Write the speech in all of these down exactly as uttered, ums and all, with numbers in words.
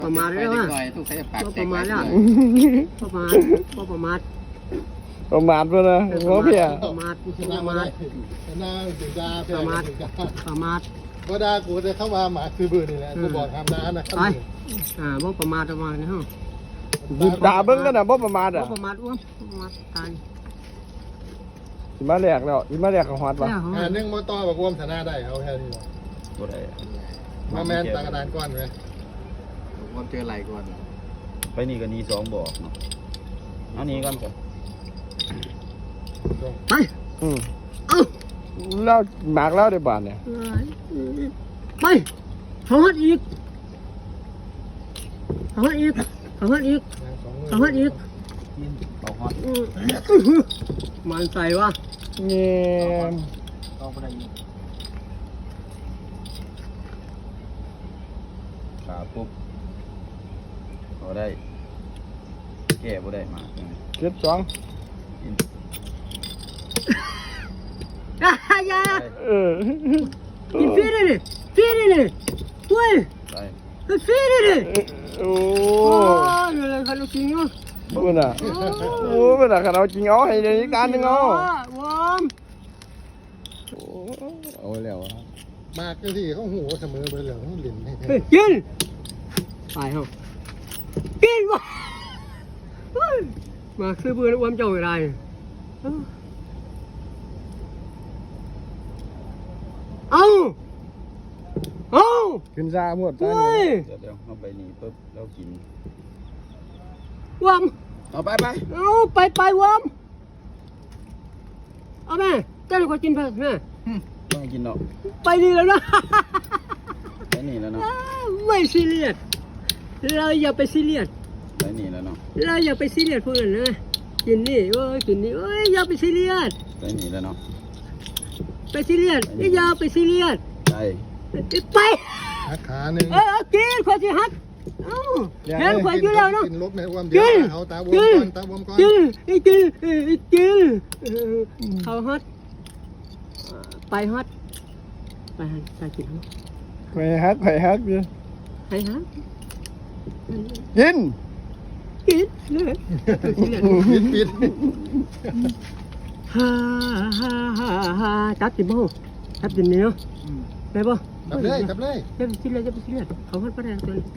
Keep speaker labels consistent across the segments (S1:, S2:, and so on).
S1: ประมาทแล้วว่า
S2: ต้องใช้ปาก
S1: ประมาทแล้วประมาทประมาท
S3: ประมาทไปเลยหัวเพีย
S1: ประมาทประมาท
S4: หน้าถึงดา
S1: ประมาทประมาท
S4: ก็ดากูจะเข้ามาหมาคือบืนนี่แหละกูบอกทำน้านะ
S1: ไปอ่าบ่ประมาทประมาทนะฮะ
S3: ด่าเบิ้งกันนะบ่ประมาท
S1: บ่
S3: อ่ะ
S1: ประมาทอ้วนประมาทตาย
S3: สิมาแหลกแล้วสิมาแหลกของฮอดวะ
S4: อ่านึ่งมอต่อบอกรวมชนะได้เอาแค่นี้หรอ
S2: บ่ได้
S4: มาแมนตากระดานก้อนไหม
S2: ผมเจอไหลก่อน
S5: ไปนี่ก็นี่สองบอกเนาะเอานี่ก่อนก่อน
S1: ไป
S3: อืม
S1: เอา
S3: แล้วหมากแล้วได้บาทเนี่ย
S1: ไปเขาฮัดอีกเขาฮัดอีกเขาฮัดอีกเขาฮัดอีก
S5: เอาฮอต
S1: มันใส่วะ
S3: เงี้ย
S5: เอาไปได้ยิงขาปุ๊บเอาได้แก้บ่ได้มา
S3: เจ็ดสอง
S1: อย่า
S3: เออ
S1: กินฟรีเลยดิฟรีเลยดิเว้ย
S5: ได้
S1: ฟรีเลยดิ
S3: โอ้
S1: โอ้ยอะไรกันลูกจริงอ่ะ
S3: เบิ่งน่ะโอ้เบิ่งน่ะคันเอาจริงเอาให้ได้อีกการหนึงเอา
S1: วอม
S3: โอ้เอาแล้วอ่ะ
S4: มากก็ที่เขาหูเสมอไปเลยเขาหลินให้
S1: เฮ้ยกินไปเฮากินวะมาซื้อเบื่อแล้ววอมเจ้าอะไรเอาเอา
S3: ขึ้นซาหมด
S1: เฮ้ย
S5: เดี๋ยวเดี๋ยวเอาไปนี่ปุ๊บแล้วกิน
S1: วอม
S5: เอาไปไป
S1: เอาไปไปวอมเอาแม่เจ้าก็กินไปแม่
S5: ต้องกินเนาะ
S1: ไปดีแล้วนะ
S5: ไปนี่แล้วเนาะ
S1: ไม่ซีเรียสเราอย่าไปซีเรียส
S5: ไปนี่แล้วเนาะ
S1: เราอย่าไปซีเรียสพวกนั้นนะกินนี่โอ้ยกินนี่โอ้ยอย่าไปซีเรียส
S5: ไปนี่แล้วเนาะ
S1: ไปซีเรียสอย่าไปซีเรียส
S5: ไป
S1: ไป
S4: หักขาหนึ่ง
S1: เออกินควายจะฮักเอ้าเห็นควายอยู่แล้วเนาะ
S4: กินลบในความเดียวเอาตาบวมก่อนตาบวมก่อน
S1: กินกินกินกินเขาฮัดไปฮัดไปฮัดไปกินฮัด
S3: ไปฮักไปฮักดิ
S1: ไปฮัด
S3: กิน
S1: กินเลยซีเรียส
S4: ปิดปิด
S1: ฮ่าฮ่าฮ่าฮ่าจับจิบบ่จับจิบนี่เนาะได้ป่ะ
S4: จับเลยจับเลย
S1: จะไปซีเรียสจะไปซีเรียสเขาฮัดประเด็นตัวนี้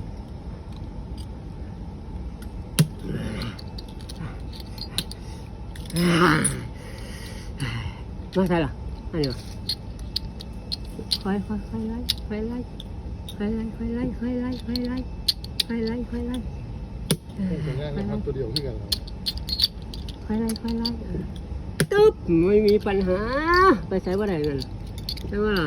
S1: มาใช่หรออันนี้ค่อยค่อยค่อยไล่ค่อยไล่ค่อยไล่ค่อยไล่ค่อยไล่ค่อยไล่ค่อยไล่ค่อยไล่
S4: เป็นง่ายนะครับตัวเดียวที่กัน
S1: ค่อยไล่ค่อยไล่ตึ๊บไม่มีปัญหาไปใส่ว่าได้เงินใช่ไหมล่ะ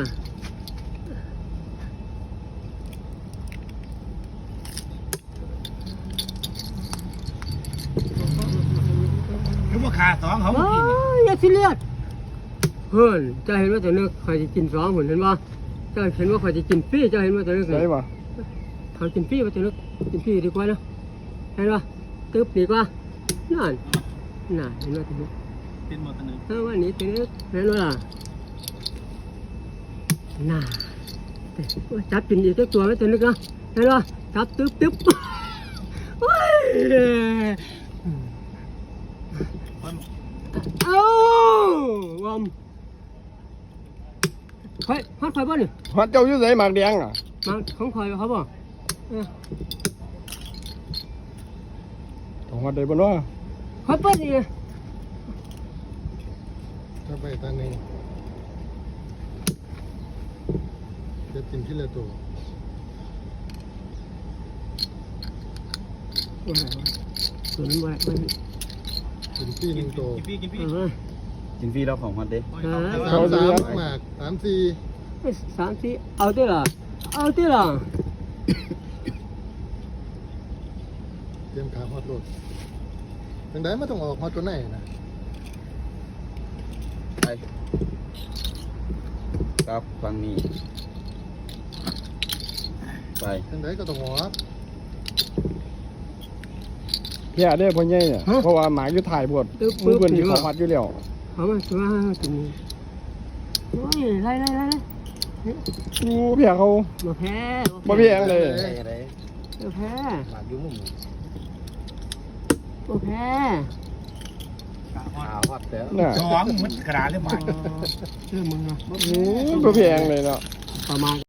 S2: คือว่าขาสองเขา
S1: โอ้ยอย่าซีเรียสเฮ้ยจะเห็นว่าตัวนึกใครจะกินสองคนเห็นป่ะจะเห็นว่าใครจะกินฟรีจะเห็นว่าตัวนึก
S3: ได้ป่ะ
S1: เขากินฟรีว่าตัวนึกกินฟรีดีกว่านะเห็นป่ะตึ๊บดีกว่านั่นน่ะเห็นว่าตัวนึก
S2: เป็นหมดตัวนึง
S1: เออวันนี้ตัวนึกเห็นว่าล่ะน่ะจับกินอีกตัวไว้ตัวนึกนะเห็นป่ะจับตึ๊บตึ๊บโอ้ยเอ้าวอมคอยฮอดคอยบ่นี่
S3: ฮอดเจ้าอยู่ไสหมากแดงอ่ะ
S1: มาของคอยเขาบ่เออ
S3: ต้องฮอดได้บ่เนาะ
S1: คอยเปิดนี่
S4: ถ้าไปตาหนึ่งจะกินที่ละตัว
S1: ตัวนั้นบ่ได้
S4: กินที่หนึ่งตัว
S2: กินพี่กินพี่
S1: เออ
S5: กินฟรีแล้วของฮอตเด้
S4: สามสามหมากสามสี่
S1: สามสี่เอาติล่ะเอาติล่ะ
S4: เตรียมขาฮอตรถเป็นได้ไม่ต้องออกฮอตตัวไหนนะ
S5: ไปครับฟังนี้ไป
S4: เป็นได้ก็ต้องออก
S3: เพียได้พ่อใหญ่เนี่ยเพราะว่าหมากอยู่ถ่ายบวชมือเพิ่นสิเข้าฮอดอยู่แล้ว
S1: เอามาตัวตัวนี้โอ้ยไล่ไล่ไล่
S3: กูเพียเขา
S1: บ่แพ้
S3: บ่เพียงเลย
S5: ได้ได้
S1: เออแพ้
S4: หมากอยู่มุม
S1: เออแพ้
S2: ขาฮอดแล้ว
S3: น่ะ
S2: สองมันกระดาษเลยมา
S1: เชื่อมึงนะ
S3: อืมก็แพงเลยเนาะ
S1: ประมาณ